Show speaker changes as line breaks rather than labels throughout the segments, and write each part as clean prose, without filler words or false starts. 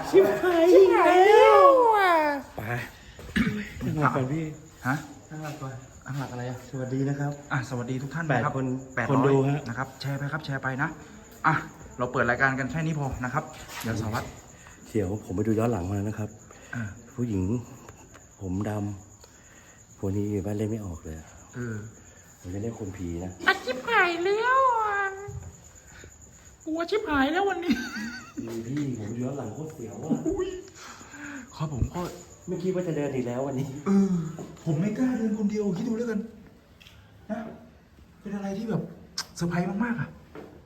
ชิบหายแล้วไป
ตั้งหลักก่อนพี่
ฮะ
ตั้งหลักก่อน
อังหลักอะไรอ่ะ
สวัสดีนะครับ
สวัสดีทุกท่าน
8
นะครับ
คน
800
คนดูฮะ
นะครับแชร์ไปครับแชร์ไปนะเราเปิดรายการกันแค่นี้พอนะครับเดี๋ยวสวัสดิ์
เดี๋ยวผมไปดูย้อนหลังมานะครับ
อ่า
ผู้หญิงผมดำพวกนี้บ้านเล่นไม่ออกเลยอะ ผมจะเรียกคนผีนะ
ชิบหายแล้วกลัวชิบหายแล้ววันนี้
พี่ผมย้อนหลังโคตรเสียวอ่ะ
ครับผมก็
ไม่คิดว่าจะเดินอีกแล้ววันนี้
ผมไม่กล้าเดินคนเดียวคิดดูแล้วกันนะเป็นอะไรที่แบบเซอร์ไพรส์มากๆอะ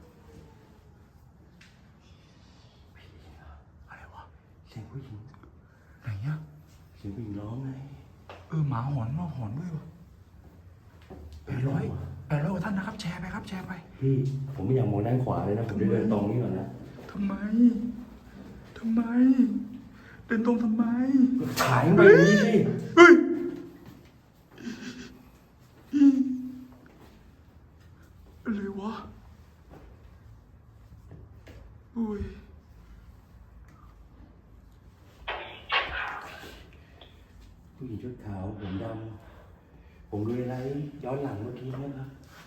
อะไรวะ
เสียงผู้หญิง
ไหนอะ
เสียงผู้หญิงร้องไง
หมาหอนว่าหอนด้วยวะ800กว่าท่านนะครับแชร์ไปครับแชร์ไป
พี่ผมไม่อยากมองด้านขวาเลยนะผมจะเดินตรงนี้ก่อนนะ
ทำไม เดินตรงทำไม
ขายไปอย่างนี้สิ
เฮ้ยอะไรวะอุ้ย
ผู้หญิงชุดขาวผมดำผมดูอะไรย้อนหลังเมื่อกี้นะครับ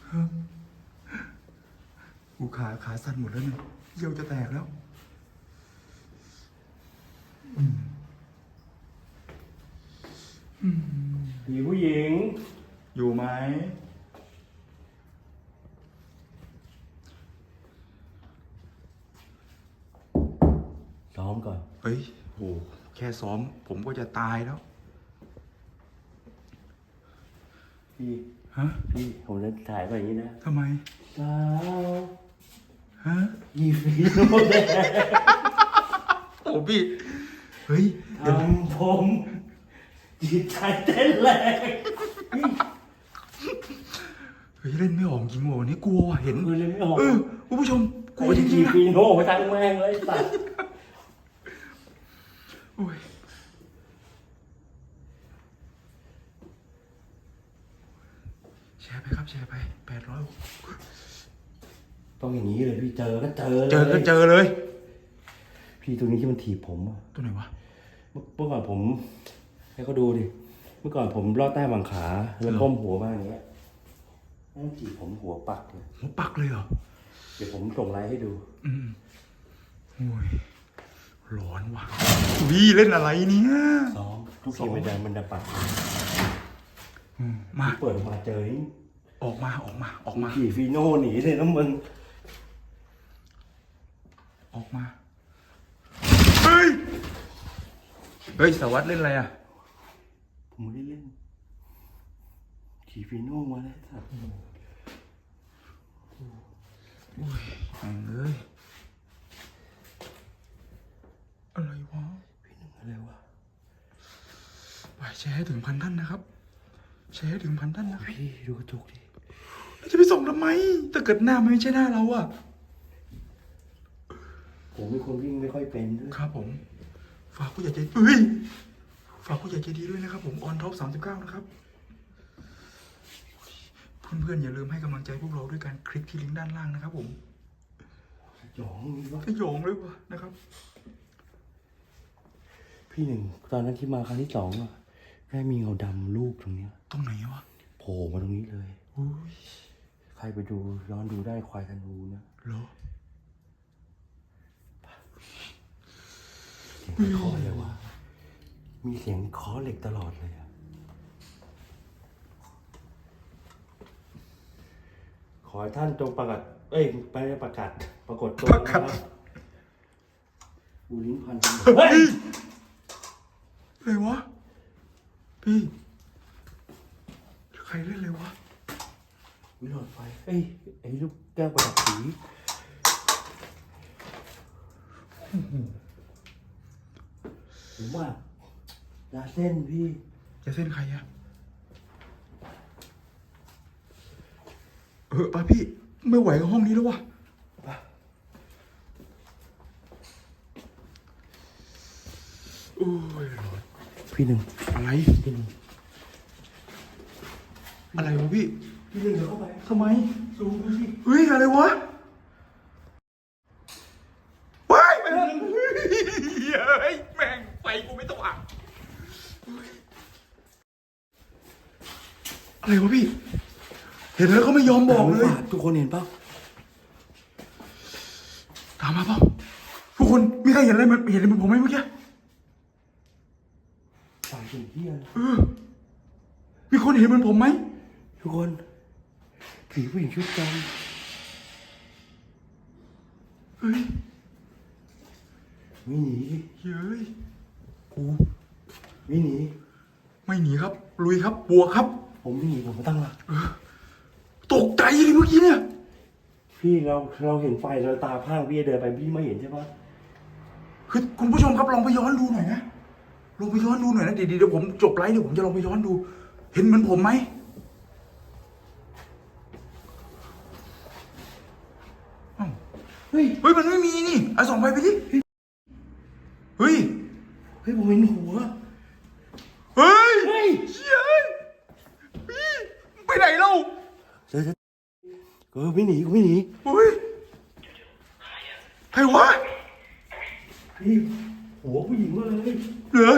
กูขาสั่นหมดแล้วเนี่ยเยี่ยวจะแตกแล้ว
ผีผู้หญิง
อยู่ไหม
ซ้อมก่อน
เฮ้ยโหแค่ซ้อมผมก็จะตายแล้ว
พี่
ฮะ
พี่ผมจะถ่ายไปอย่างนี้นะ
ทำไม
สาว
ฮะ
ยีฟีโนแดง
โอ้พี่เฮ้ย
ทำผมจิตใจเต้นแรง
เฮ้ยเล่นไม่ออกจริงว่ะวันนี้กลัวว่ะเห็น
คือเลยไม่ออก
คุณผู้ชมกลั
กู
วจ
จะ
ริ
จี
งๆนะ
ฟีโนไปทั้งแม่งเลยสัตว์
โอ้ยแชร์ไปครับแชร์ไป800
ต้องอย่างนี้เลยพี่เจอก็เจอเลย
เจอก็เจอเลย
พี่ตัวนี้ที่มันถีบผมอะ
ตัวไหนวะ
เมื่อก่อนผมให้เขาดูดิเมื่อก่อนผมลอดใต้บังขาแล้วก้มหัวมาอย่างเงี้ยนั่นถีบผมหัวปักเลย
หัวปักเลยเหรอ
เดี๋ยวผมส่งไลน์ให้ดู
โอ้ยร้อนว่ะวี่เล่นอะไรเนี่ย
ซ้อมทุกทีมันจะปัก
มา
เปิดออกมาเจอนี่
ออกมา
ขี่ฟีโน่หนีเลยนะมึง
ออกมาเฮ้ยสวัสดิ์เล่นอะไรอ่ะ
ผมไม่ได้เล่นขี่ฟีโน่มาเลยสัตว์
โอ้ยแม่งเอ้ยอะไรวะ
พี่หนึ่งอะไรวะ
ไปแชร์ให้ถึง1,000 ท่านนะครับแชร์ให้ถึง1,000 ท่านนะครับ
พี่ดูกระจกดิ
แล้วจะไปส่งทำไมถ้าเกิดหน้ามันไม่ใช่หน้าเราอะ
ผมเป็นคนวิ่งไม่ค่อยเป็นด้วย
ครับผมฝากผู้ใหญ่ใจฝากผู้ใหญ่ใจดีด้วยนะครับผมออนท็อป39นะครับเพื่อนๆอย่าลืมให้กำลังใจพวกเราด้วยการคลิกที่ลิงก์ด้านล่างนะครับผม
หยองนี่วะ
สยองเลยวะนะครับ
พี่หนึ่งตอนนั้นที่มาครั้งที่สองอะแม่มีเงาดำรูปตรงเนี้ย
ตรงไหนวะ
โผล่มาตรงนี้เลย
อุ้ย
ใครไปดูย้อนดูได้ควายธนูนะ
เหรอ
เสียงเคาะเลยวะมีเสียงเคาะเหล็กตลอดเลยอะขอให้ท่านจงประกาศไปประกาศปรากฏตัวนะครับอูลิ้นพันเฮ้ย
อะไรวะพี่ใครเล่นอะไรวะ
วิหลอดไฟไอ้ลูกแก้วประดับสีผมว่ายาเส้นพี่
จะเส้นใครอะไปพี่ไม่ไหวกับห้องนี้แล้ววะโอ้ยร้อน
พี่หนึ่ง
อะไร
พี่หนึ่ง
อะไรวะพี่
พี่หนึ่งเดี๋ยวเข้าไป
ทำไม
ซูมดูสิ
เฮ้ยอะไรวะว้ายเฮ้ยฮ้ยแม่งไฟกูไม่ต้องอ่ะอะไรวะพี่เห็นแล้วเขาไม่ยอมบอกเลย
ทุกคนเห็นเปล่า
ตามมาเปล่าทุกคนมีใครเห็นอะไรมันเห็นอะไรเหมือนผมไหมเมื่อกี้
สายถึงเที่ยง
มีคนเห็นเหมือนผมไหม
ทุกคนผีผู้หญิงชุดดำ
เฮ้ย
ไม่หนี
เฮ้ยกู
ไม่หนี
ไม่หนีครับลุยครับบวกครับ
ผมไม่หนีผมมาตั้งหลัก
ตกใจเลยเมื่อกี้เนี่ย
พี่เราเห็นไฟเราตาพร่างพี่เดินไปพี่ไม่เห็นใช่ปะ
คือคุณผู้ชมครับลองไปย้อนดูหน่อยนะลองไปย้อนดูหน่อยนะเดี๋ยวผมจบไลฟ์เดี๋ยวผมจะลองไปย้อนดู เห็นเหมือนผมไหมอ้าว
เฮ้ย
เฮ้ยมันไม่มีนี่เอาส่องไฟไปดิเฮ้ย
เฮ้ยผมเห็นหัว
เฮ้ย
เฮ้ย
เชี่ยพี่ไปไหนเล่า
เดี๋ยวไม่หนีกูไม่หนี
เฮ้ยใครวะ
พี่หัวผู้หญิงมาเลย
เหลือ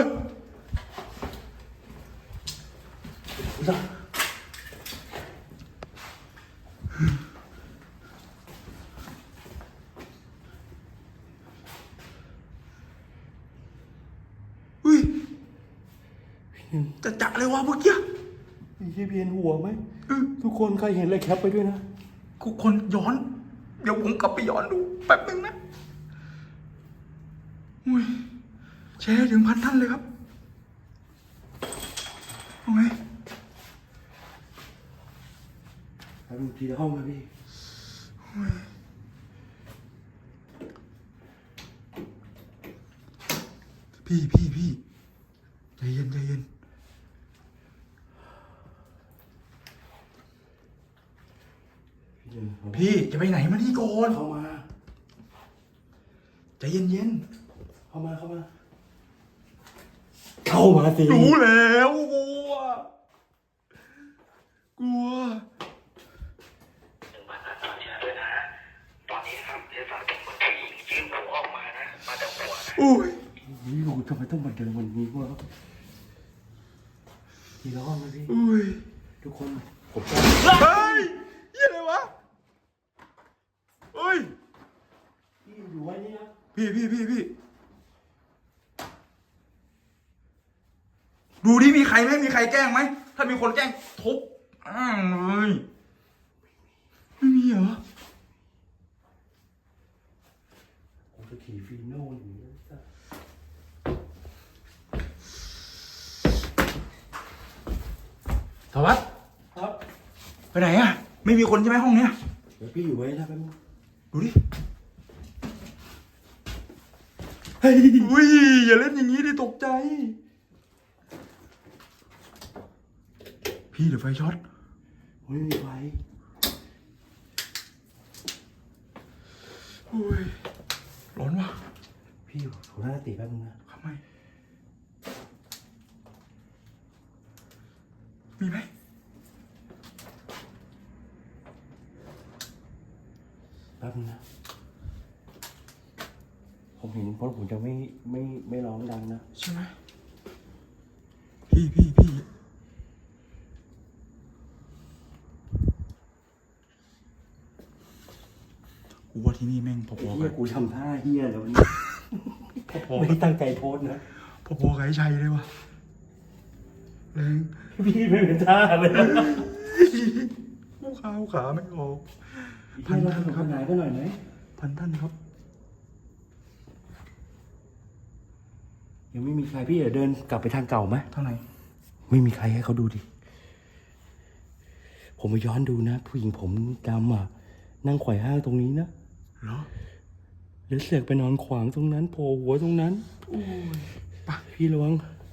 จ้ะ
เฮ้ยจะเลยวะเมื่อกี้
พี่เพียนหัวไหมทุกคนใครเห็นอะไรแคปไปด้วยนะ
ทุกคนย้อน เดี๋ยวผมกลับไปย้อนดูแป๊บนึงนะอุ้ยแชร์ถึง1,000 ท่านเลยครับเอาไง
ไปดูทีละห้องนะพี่
พี่ใจเย็นใจเย็นพี่จะไปไหนมานี่ก่อน
เข้ามา
ใจเย็นเย็น
เข้ามาเข้ามาสิ
รู้แล้วกลัว
ด้วยนะ ตอนนี้ครับเทศบาลเป็นคนผู้หญิงยื่นหัวออกมานะ มาจากหัวนะ
อุ้ย
นี่กูทำไมต้องมาเดินวันนี้วะทีละห้องนะพี่
อุ้ย
ทุกคนผมจะ
เฮ้ยยี่อะไรวะเฮ้ย
พี่อยู่ไว้นี่นะ
พี่ดูดิมีใครไหมมีใครแกล้งไหมถ้ามีคนแกล้งทุบเลยไม่มีเหรอ
ผมจะขี่ฟีโน่อยู่นะ
สวัสดิ์
ครับ
ไปไหนอะไม่มีคนใช่ไหมห้องเนี้ย
เดี๋ยวพี่อยู่ไว้นะแป๊บนึง
ดูดิ
เฮ้ย
อุ้ยอย่าเล่นอย่างนี้ดิตกใจพี่เดี๋ยวไฟช็อต
ไม่มีไฟ
อุ้ยร้อนว่ะ
พี่อยู่ถูหน้าติแป๊บนึงนะ
ทำไมมีไหม
แป๊บนึงนะผมเห็นเพราะผมจะไม่ร้องดังนะ
ใช่ไหมพี่กูว่าที่นี่แม่งพอๆ
เฮี
กั
ย
บ
กูทำท่าเฮียแล้ววันนี้
พอๆ
ไม่
กั
ได้
บ
ตั้งใจโพสต์นะ
พอๆกับไอ้ชัยเลยว่ะแรง
พี่ไม่เป็นท่าเลยนะ
กูขาไม่ออก
พันท่านครับหายก็หน่อยไหม
1,000 ท่านครับ
ยังไม่มีใครพี่เดี๋ยวเดินกลับไปทางเก่าไหม
เท่าไหร่
ไม่มีใครให้เขาดูดิผมไปย้อนดูนะ ผู้หญิงผมดำอ่ะนั่งไขว่ห้างตรงนี้นะ
เหรอ
แล้วเสือกไปนอนขวางตรงนั้นโผล่หัวตรงนั้น
โอ้ยปะ
พี่ระวัง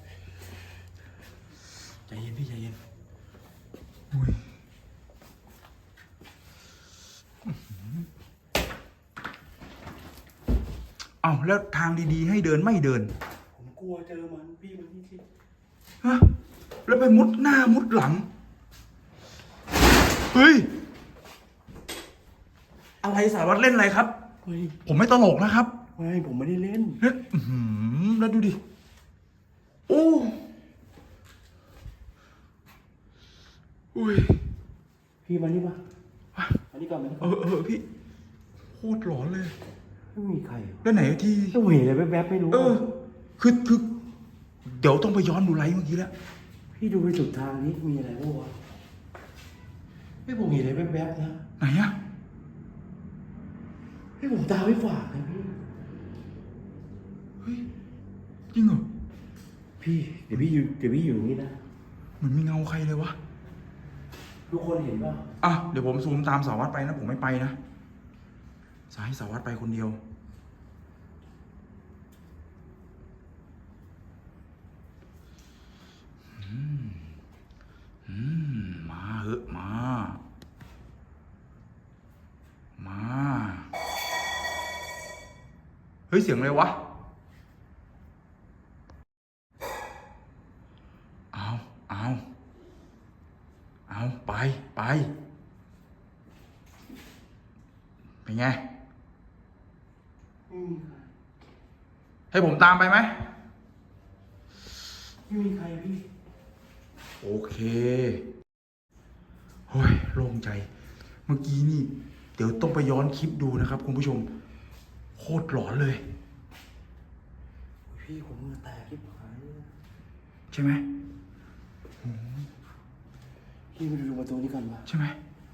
ใจเย็นพี่ใจเย็นอุ้ยอ้าวแล้วทางดีๆให้เดินไม่เดิน
ผมกลัวเจอมันพี่มันนี่สิ
ฮะแล้วไปมุดหน้ามุดหลัง เฮ้ย อะไรสารวัตรเล่นอะไรครับ
เฮ้ย
ผมไม่ตลกนะครับ
ไม่ผมไม่ได้เล่น
แล้วแล้วดูดิโอ้อุ้ย
พี่มานี่มาอันนี้ก่อนไหม
พี่โคตรหลอนเลย
ไม่มีใคร
แล้วไหนที่
ต้องเห็นอะไรแวบๆไม่รู้
คือเดี๋ยวต้องไปย้อนดูไลฟ์เมื่อกี้แล้ว
พี่ดูไปสุดทางนี้มีอะไรบ้างวะไม่ผมเห็นอะไรแวบๆนะ
ไหนอะ
ให้ผมตาไม่ฝาดนะพี่
เฮ้ยจริงเหรอ
พี่เดี๋ยวพี่อยู่นี่นะ
เหมือนมีเงาใครเลยวะ
ทุกคนเห็นป่ะ
อ่ะเดี๋ยวผมซูมตามสารวัตรไปนะผมไม่ไปนะจะให้สารวัตรไปคนเดียวมาเหอะมาเฮ้ยเสียงอะไรวะเอาไปเป็นไง
ไม่มีใคร
ให้ผมตามไปไหม
ไม่มีใครพี่
โอเคโอ้ยโล่งใจ เมื่อกี้นี่ เดี๋ยวต้องไปย้อนคลิปดูนะครับคุณผู้ชม โคตรหลอนเลย
พี่ผมมือแตกที่ผายเลย
ใช่ไหม
พี่มาดูประตูนี้ก่อนวะ
ใช่ไหม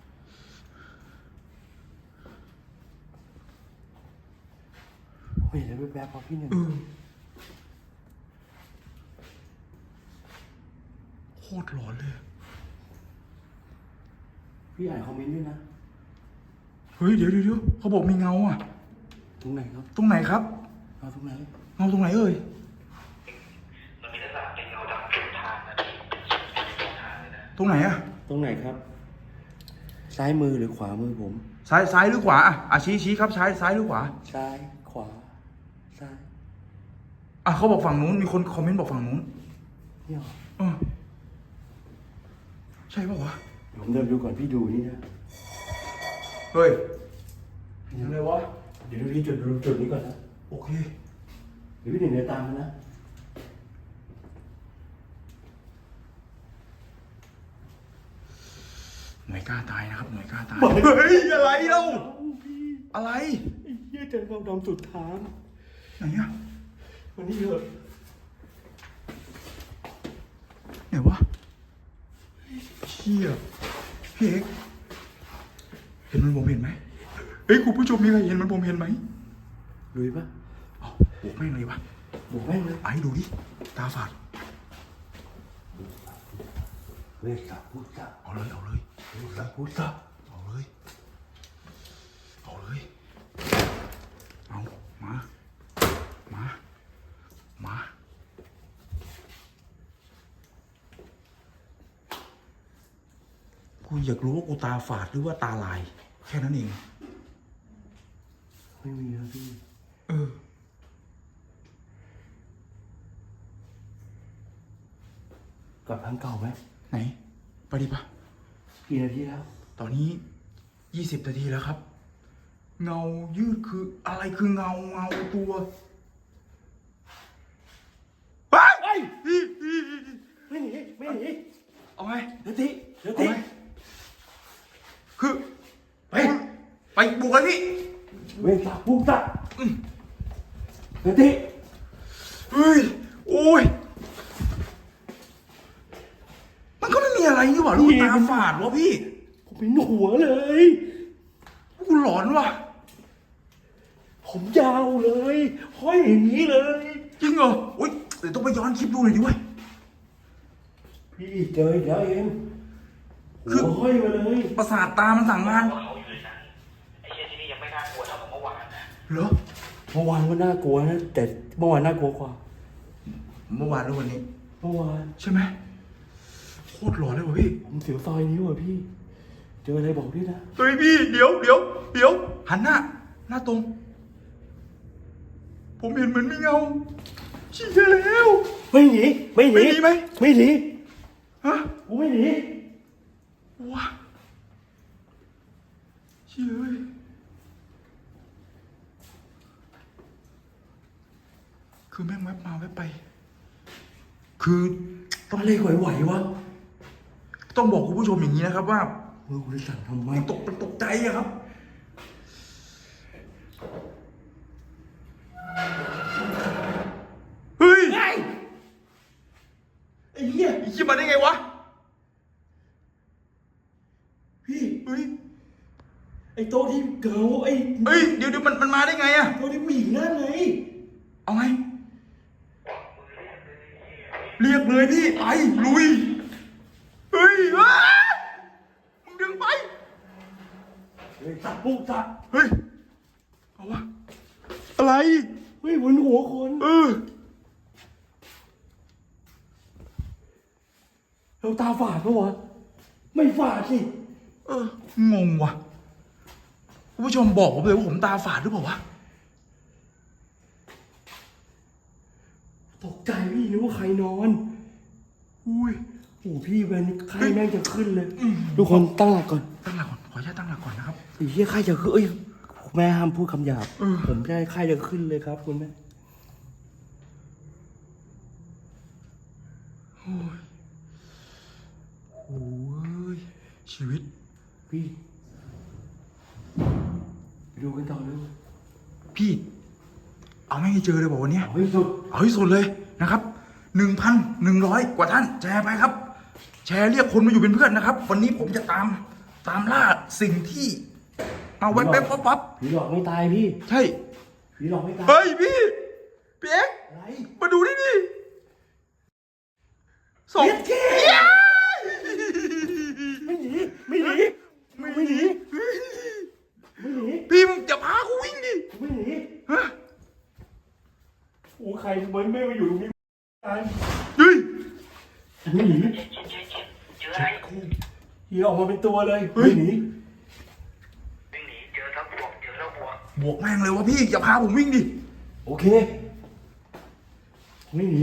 ผมเห็นอะไรแวบๆพอพี่หนึ่ง
โคตรหลอนเลย
พี่อ่านคอมเมนต์ด้วยนะ
เฮ้ยเดี๋ยวเขาบอกมีเงาอ่ะ
ตรงไหนครับ
ตรงไหนครับ
เอาตรงไหน
เงาตรงไหนเอ่ย
มันมีลักษณะเป็นเงาดำสุดทางนะพี่สุดทางเลยนะ
ตรงไหนอ่ะ
ตรงไหนครับ ซ้ายมือหรือขวามือผม
ซ้ายหรือขวาอ่ะชี้ครับซ้ายหรือขวา
ซ้ายขวาซ้าย
เขาบอกฝั่งนู้นมีคนคอมเมนต์บอกฝั่งนู้น
เนี่ย
ใช่ป่าวะ
ผมเดินดูก่อนพี่ดูนี่นะ
เฮ้ยยังไงวะ
เดี๋ยวดูที่จุดนี้ก่อนนะ
โอเค
เดี๋ยวพี่หนึ่งเดินตามมานะ
หน่วยกล้าตายนะครับหน่วยกล้าตายเฮ้ยอะไรเล่าอะไร
ไอ้เหี้ยเจอความดำสุดทาง
ไหนอะ
วันนี้เถอะ
ไหนวะเชี่ยพี่เอกเห็นมันผมเห็นไหมเฮ้ยคุณผู้ชมมีใครเห็นมันผมเห็นไหม
ลุยปะ
บวกแม่งเลยวะ
บอกแม่งเลย
ไอ้ดูดิตาฝาด
เวสัพพุทธะ
เอาเลย
เวสัพพุทธะ
เอามากูอยากรู้ว่ากูตาฝาดหรือว่าตาลาย แค่นั้นเอง
ไม่มีแล้วพี่ กลับทางเก่าไหม
ไหน ไปดิปะ
กี่นาทีแล้ว
ตอนนี้20 นาทีแล้วครับ เงายืดคืออะไรคือเงาตัวไป
ไม่หนี
เอาไง
เดี๋ยว
เอา
ติ
ไงคือไปบุกเลยพี่
เวสัพพุทธะเดี๋ยวติ
เฮ้ยโอ้ยมันก็ไม่มีอะไรนี่หว่าลูกตาฝาดวะพี่
ผมเป็นหัวเลย
กูหลอนว่ะ
ผมยาวเลยห้อยอย่างนี้เลย
จริงเหรออุ้ยเดี๋ยวต้องไปย้อนคลิปดูหน่อยดิเว้ย
พี่เจออีกแล้วเองหัวห้อยมาเลย
ประสาทตามันสั่งงาน
ว่าเขาอยู่ในนั้นไอ้เชี่ยที่นี่ยังไม่น่ากลัวเท่ากับเมื่อวานนะ
เหรอ
เมื่อวานก็น่ากลัวนะแต่เมื่อวานน่ากลัวกว่า
เมื่อวานหรือวันนี้
เมื่อวาน
ใช่ไหมโคตรหลอนเลยว่ะพี่
ผมเสียวซอยนิ้วอ่ะพี่ เจออะไรบอกพี่นะ
เฮ้ยพี่เดี๋ยวหันหน้าตรง ผมเห็นเหมือนมีเงาเชี่ยแล้ว
ไม่หนีไม่หนี
ไม่หนีไหม
ไม่หนี
ฮะ
กูไม่หนี
ว้าเชี่ยเอ้ยคือแม่งแวบมาแวบไป คือต้อง
อะไรไหวๆวะ
ต้องบอกคุณผู้ชมอย่างนี้นะครับว่า
กูจะสั่งทำไม
มันตกใจอะครับ เฮ้ย
ไอ้เหี้ย
ไอ้ขี้มาได้ไงวะ
พี่
เฮ้ย
ไอ้โต๊ะที่เก่าไอ้
เฮ้ย เดี๋ยวมันมาได้ไงอะ
โต๊ะที่ผู้หญิงนั่นไง
เอาไง เรียกเลยพี่ ไป ลุย เฮ้ยอ้ามึงดึงไป
เฮ้ยจับปุ๊บจับ
เฮ้ย เอาวะ อะไร
เฮ้ยบนหัวคน
เออ
เราตาฝาดปะวะ ไม่ฝาดสิ
เออ งงว่ะคุณผู้ชมบอกผมเลยว่าผมตาฝาดหรือเปล่าวะ
ตกใจพี่นึกว่าใครนอน
อุ้ย
โอ้พี่เวนไข้แม่งจะขึ้นเลย ทุกคนตั้งหลักก่อน
ตั้งหลักก่อน ขออนุญาตตั้งหลักก่อนนะครับ
ไอ้เหี้ยไข้จะขึ้นเอ้ยแม่ห้ามพูดคำหยาบ
เออ
ผมได้ไข้จะขึ้นเลยครับคุณแม่
โอ้ย ชีวิต
พี่ไปดูกันต่อเลย
พี่ เอาไม่ให้เจอเลยบอกวันเนี้ย
เอาให้สุด
เอาให้สุดเลยนะครับ 1,100 กว่าท่าน แชร์ไปครับ แชร์เรียกคนมาอยู่เป็นเพื่อนนะครับ วันนี้ผมจะตามล่าสิ่งที่เอาแว๊บๆปั๊บ
ผีหลอกไม่ตายพี่
ๆใช่
ผีหลอกไม่ตาย
เฮ้ยพี่เอ็กซ์
อะไร
มาดูนี่ดิสอง
เย็ดแค่ไม่หนีไม่หนีไม่หนีไม่หนี
พี่มึงจะพากูวิ่งดิ
ไม่หนี
ฮะ
โอ้ใครมันไม่มาอยู่ตรงนี้ตาย
เฮ้ย
ไม่หนี
เจออะไร
ผีออกมาเป็นตัวเลยไม่หนี
วิ่งหนีเจอทั้งบวกเจอแล้วบวก
บวกแม่งเลยวะพี่อย่าพาผมวิ่งดิ
โอเคไม่หนี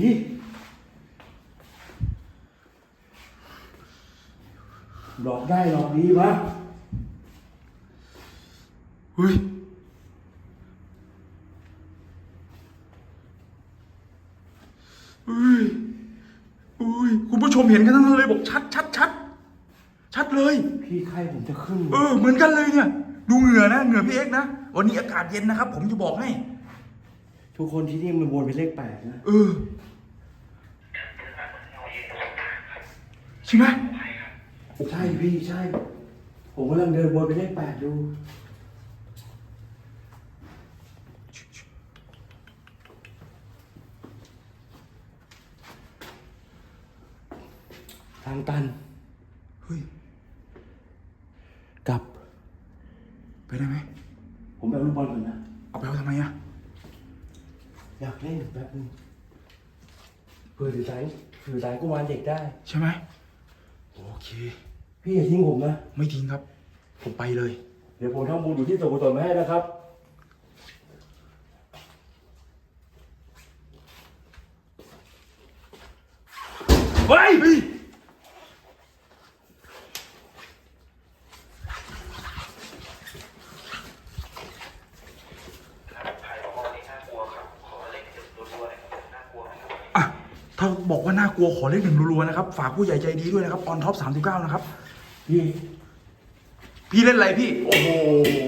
หลอกได้หลอกดีวะ
เฮ้ยเฮ้ยเฮ้ยคุณผู้ชมเห็นกันทั้งนั้นเลยบอกชัดเลย
พี่ไข้ผมจะขึ้น
เหมือนกันเลยเนี่ย ดูเหงื่อนะเหงื่อพี่เอ็กซ์นะวันนี้อากาศเย็นนะครับ ผมจะบอกให้
ทุกคนที่นี่มันวนเป็นเลข 8นะ
ใช่ไหม
ใช่พี่ใช่ ผมกำลังเดินวนเป็นเลข 8ดูทางตัน
เฮ้ย
กลับ
ไปได้ไหม
ผมไปเอาลูกบอลก่อนนะ
เอาไปเอาทำไมอะ
อยากเล่นแป๊บนึงเพื่อสื่อสารกุมารเด็กได้
ใช่ไหมโอเค
พี่อย่าทิ้งผมนะ
ไม่ทิ้งครับ ผมไปเลย
เดี๋ยวผมทำบุญอยู่ที่สวนกุศลมาให้นะครับ
เฮ้ย
ใครบอกว่าวันนี้น่ากลัวครับ ขอเล่นจุดรัวๆหน่อยครับน่ากลัวไหมครับ
อ่ะถ้าบอกว่าน่ากลัวขอเลขหนึ่งรัวๆนะครับ ฝากผู้ใหญ่ใจดีด้วยนะครับออนท็อป39นะครับ
พี่
พี่เล่นอะไรพี่ โอ้โห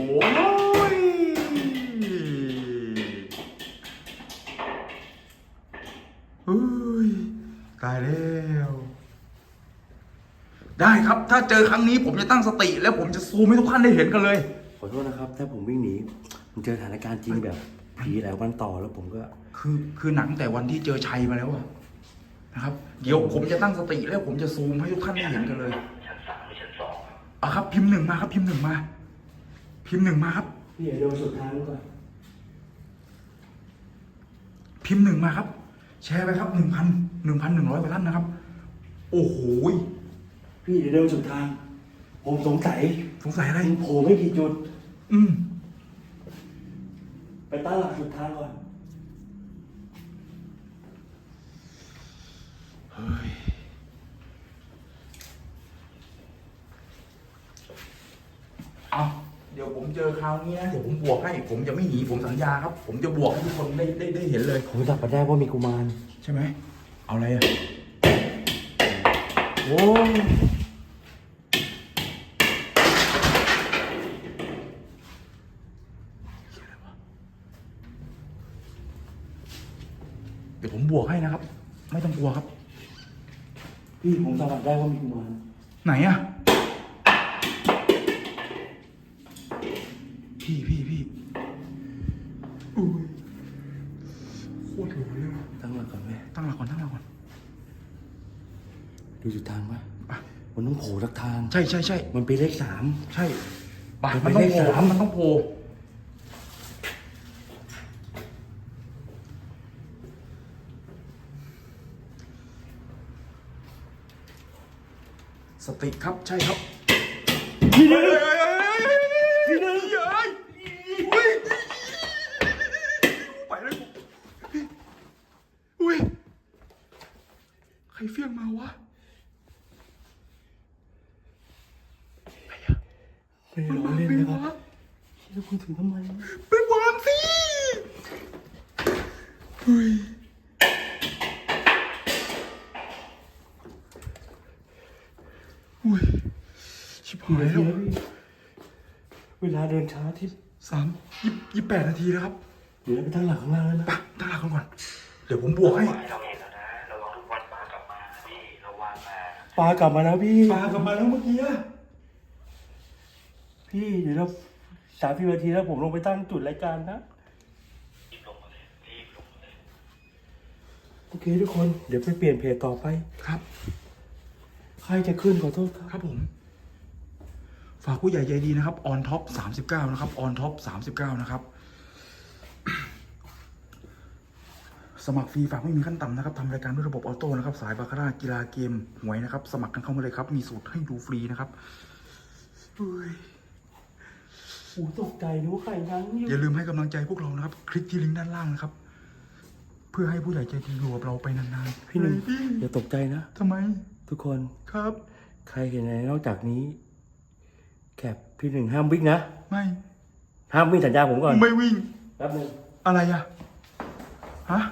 เฮ้ยตายแล้ว ได้ครับ ถ้าเจอครั้งนี้ผมจะตั้งสติ แล้วผมจะซูมให้ทุกท่านได้เห็นกันเลย
ขอโทษนะครับ ถ้าผมวิ่งหนีผมเจอสถานการณ์จริงแบบผีหลายวันต่อแล้วผมก็
คือหนังแต่วันที่เจอชัยมาแล้วอะนะครับ เดี๋ยวผมจะตั้งสติแล้วผมจะซูมให้ทุกท่านได้เห็นกันเลย
ชั้น3หรือชั้น2ครับ
เอาครับ พิมพ์หนึ่งมาครับ พิมพ์หนึ่งมา พิมพ์หนึ่งมาครับ
พี่อย่าเดินสุดทางก่อน
พิมพ์หนึ่งมาครับ แชร์ไปครับ1,100 กว่าท่านนะครับ โอ้โห
พี่อย่าเดินสุดทาง ผมสงสัย
สงสัยอะไร
โผล่ไม่กี่จุด
อืม
ไปตั้งหลักสุดทางก่อน
เฮ้ย เอาเดี๋ยวผมเจอคราวนี้นะเดี๋ยวผมบวกให้ ผมจะไม่หนีผมสัญญาครับ ผมจะบวกให้ทุกคนได้เห็นเลย
ผมจับมาได้ว่ามีกุมาร
ใช่ไหม เอาอะไรอ่ะ
โอ้
เดี๋ยวผมบวกให้นะครับ ไม่ต้องกลัวครับ
พี่ผมสัมผัสได้ว่ามีกุมาร
ไหนอ่ะ พี่อุ้ยโคตรหลอนเลยว่ะ
ตั้งหลักก่อนไหม
ตั้งหลักก่อน
ดูจุดทางปะ
อ่ะ
มันต้องโผล่สักทาง
ใช่
มันเป็นเลข 3
ใช่ปะ
เดี๋ยว
มันต้อง
ไป
โผล่
เลข
ครับ
3
มันต้องโผล่สติครับ ใช่ครับ
พี่หนึ่ง
พี่หนึ่งเฮ้ยอุ้ยไปเลยอุ้ยใครเฟี้ยงมาวะ
ไม่ได้ล้อเล่นนะครับแล้วคุณถึงทำไม
ไปวางสิเฮ้ยอุ้ยชิบหายแล้ว
เวลาเดินช้าที่
28 นาทีแล้วครับ
เดี๋ยวเราไปตั้งหลักข้างล่างแล้วนะ
ไปตั้งหลักกันก่อน เดี๋ยวผมบวกให้
เราเห็นแล้วนะระวังทุกวันปลากลับมานะพี่ระวังนะ
ปลากลับมาแล้วพี่
ปลากลับมาแล้วเมื่อกี้อะ
พี่เดี๋ยวเรา30 นาทีแล้วผมลงไปตั้งจุดรายการนะ
รีบลงมาเลยรีบลงมาเลย
โอเคทุกคนเดี๋ยวไปเปลี่ยนเพจต่อไป
ครับ
ใครจะขึ้นขอโทษครับ
ครับผม ฝากผู้ใหญ่ใจดีนะครับ on top 39 นะครับ on top 39 นะครับ สมัครฟรีฝากไม่มีขั้นต่ำนะครับทำรายการด้วยระบบออโต้นะครับ สายบาคาร่ากีฬาเกมหวยนะครับ สมัครกันเข้ามาเลยครับ มีสูตรให้ดูฟรีนะครับอุ้ย
โอ้ตกใจนึกว่าใครนั่งอยู่
อย่าลืมให้กำลังใจพวกเรานะครับ คลิกที่ลิงก์ด้านล่างนะครับ เพื่อให้ผู้ใหญ่ใจดีอยู่กับเราไปนานๆ
พี่หนึ่ง
เฮ้ย
อย่าตกใจนะ
ทำไม
ทุกคน
ครับ
ใครเห็นอะไรนอกจากนี้แคปพี่หนึ่งห้ามวิ่งนะ
ไม่
ห้ามวิ่งสัญญาผมก่อน
ไม่วิ่ง
แป๊บนึง
อะไรอะฮะ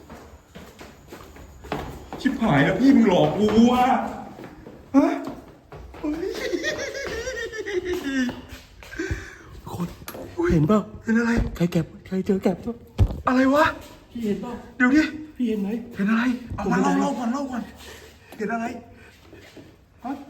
ชิบหายแล้วพี่มึงหลอกกูอะฮะเฮ้ย
ทุกคนเห็นเปล่า
เห็นอะไร
ใครเก็บใครเจอแก็บตัว
อะไรวะ
พี่เห็นเปล่า
เดี๋ยวดิ
พี่เห็นไหม
เห็นอะไร เอามา
ผมไม่ได้
เล่าก่อน เห็นอะไร ฮะ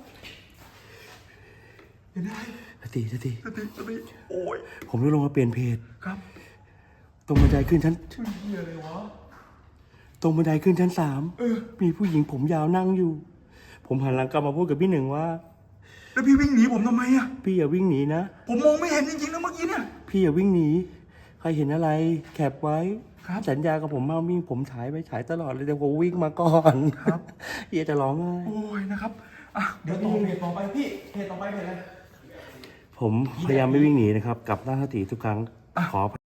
เห็นอะไร
สติ
สติโอ้ย
ผมจะลงมาเปลี่ยนเพจ
ครับ
ตรงบันไดขึ้นชั้น
ชื่อเฮียอะไรวะ
ตรงบันไดขึ้นชั้น
เออ
3มีผู้หญิงผมยาวนั่งอยู่ ผมหันหลังกลับมาพูดกับพี่หนึ่งว่า
แล้วพี่วิ่งหนีผมทำไมอะ
พี่อย่าวิ่งหนีนะ
ผมมองไม่เห็นจริงๆนะเมื่อกี้เนี่ย
พี่อย่าวิ่งหนี ใครเห็นอะไรแคปไว้
ครับ
สัญญากับผมมาวิ่งผมฉายไปฉายตลอดเลยแต่ผมวิ่งมาก่อน
ครับ
เฮียจะร้องไห้
โอ้ยนะครับ อ่ะ เดี๋ยวต่อเพจต่อไปพี่ เพจต่อไปเพจอะไร
ผมพยายามไม่วิ่งหนีนะครับกลับหน้าสติทุกครั้ง ขออภัย